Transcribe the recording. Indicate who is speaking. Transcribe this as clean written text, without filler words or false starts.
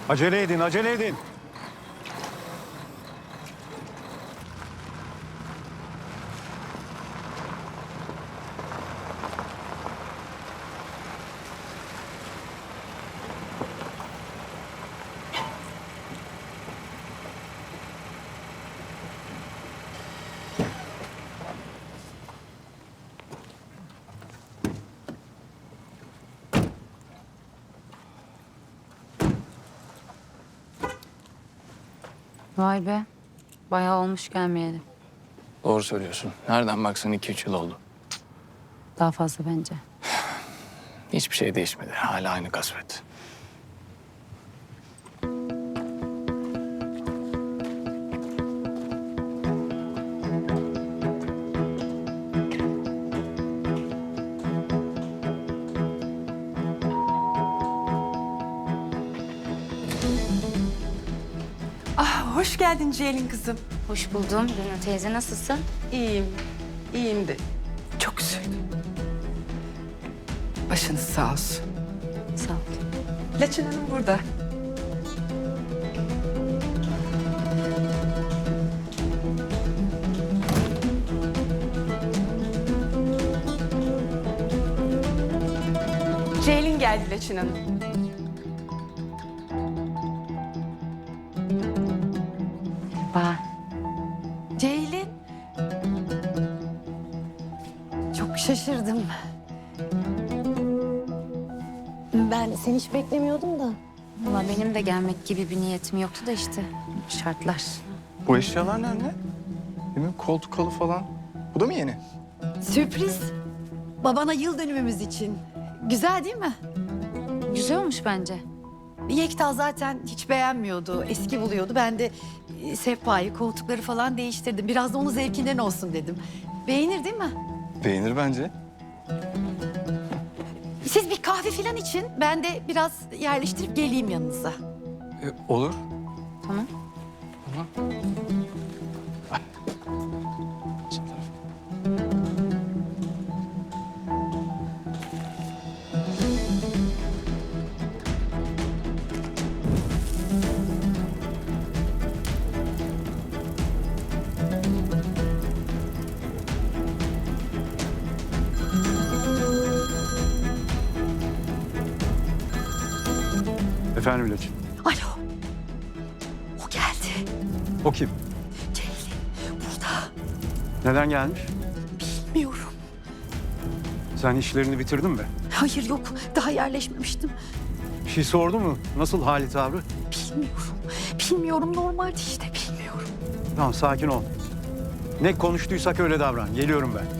Speaker 1: Acele edin, acele edin.
Speaker 2: Vay be. Bayağı olmuş gelmeyeli.
Speaker 3: Doğru söylüyorsun. Nereden baksan 2-3 yıl oldu.
Speaker 2: Daha fazla bence.
Speaker 3: Hiçbir şey değişmedi. Hala aynı kasvet.
Speaker 4: Hoş geldin Ceylin kızım.
Speaker 2: Hoş buldum. Lina teyze nasılsın?
Speaker 4: İyiyim, iyiyim de çok üzüldüm. Başınız sağ olsun.
Speaker 2: Sağ ol.
Speaker 4: Laçın Hanım burada. Ceylin geldi Laçın Hanım.
Speaker 2: Merhaba.
Speaker 5: Ceylin. Çok şaşırdım. Ben seni hiç beklemiyordum da.
Speaker 2: Valla benim de gelmek gibi bir niyetim yoktu da işte şartlar.
Speaker 3: Bu eşyalar nerede? Değil mi? Koltuk halı falan. Bu da mı yeni?
Speaker 5: Sürpriz. Babana yıl dönümümüz için. Güzel değil mi?
Speaker 2: Güzel olmuş bence.
Speaker 5: Yekta zaten hiç beğenmiyordu. Eski buluyordu. Ben de sehpayı, koltukları falan değiştirdim. Biraz da onun zevkinden olsun dedim. Beğenir değil mi?
Speaker 3: Beğenir bence.
Speaker 5: Siz bir kahve falan için ben de biraz yerleştirip geleyim yanınıza.
Speaker 3: Olur.
Speaker 2: Tamam.
Speaker 3: Tamam.
Speaker 1: Efendim Laçin.
Speaker 5: Alo. O geldi.
Speaker 1: O kim?
Speaker 5: Ceylin burada.
Speaker 1: Neden gelmiş?
Speaker 5: Bilmiyorum.
Speaker 1: Sen işlerini bitirdin mi?
Speaker 5: Hayır yok. Daha yerleşmemiştim.
Speaker 1: Bir şey sordu mu? Nasıl hali tavrı?
Speaker 5: Bilmiyorum. Bilmiyorum normalde işte bilmiyorum.
Speaker 1: Tamam sakin ol. Ne konuştuysak öyle davran. Geliyorum ben.